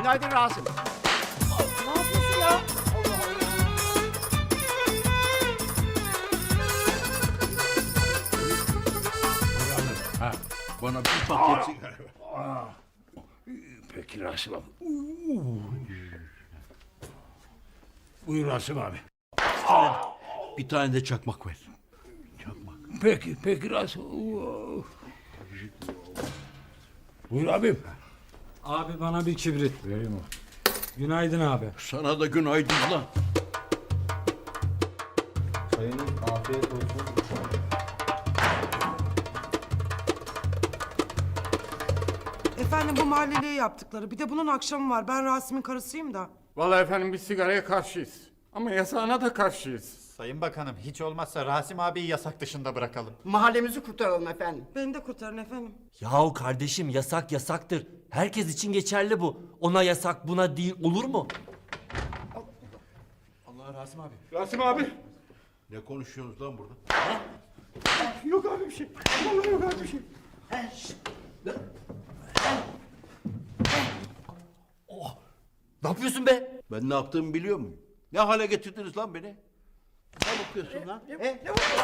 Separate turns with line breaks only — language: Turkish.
Günaydın Rasim.
Ne yapıyorsun ya?
Ha, bana bir paket sigara.
Peki Rasim abi. Buyur Rasim abi.
Bir tane de çakmak ver.
Peki Rasim. Buyur abim.
Abi bana bir kibrit.
Vereyim o.
Günaydın abi.
Sana da günaydın lan.
Sayın afiyet olsun.
Efendim bu mahalleliye yaptıkları. Bir de bunun akşamı var. Ben Rasim'in karısıyım da.
Vallahi efendim biz sigaraya karşıyız. Ama yasağına da karşıyız.
Sayın Bakanım hiç olmazsa Rasim abiyi yasak dışında bırakalım.
Mahallemizi kurtaralım efendim.
Beni de kurtarın efendim.
Yahu kardeşim yasak yasaktır. Herkes için geçerli bu. Ona yasak buna değil olur mu?
Allah Rasim abi.
Rasim abi.
Ne konuşuyorsunuz lan burada?
Yok abi bir şey. Vallahi yok abi bir şey.
Ne yapıyorsun be?
Ben ne yaptığımı biliyor muyum? Ne hale getirdiniz lan beni? Ne bakıyorsun lan?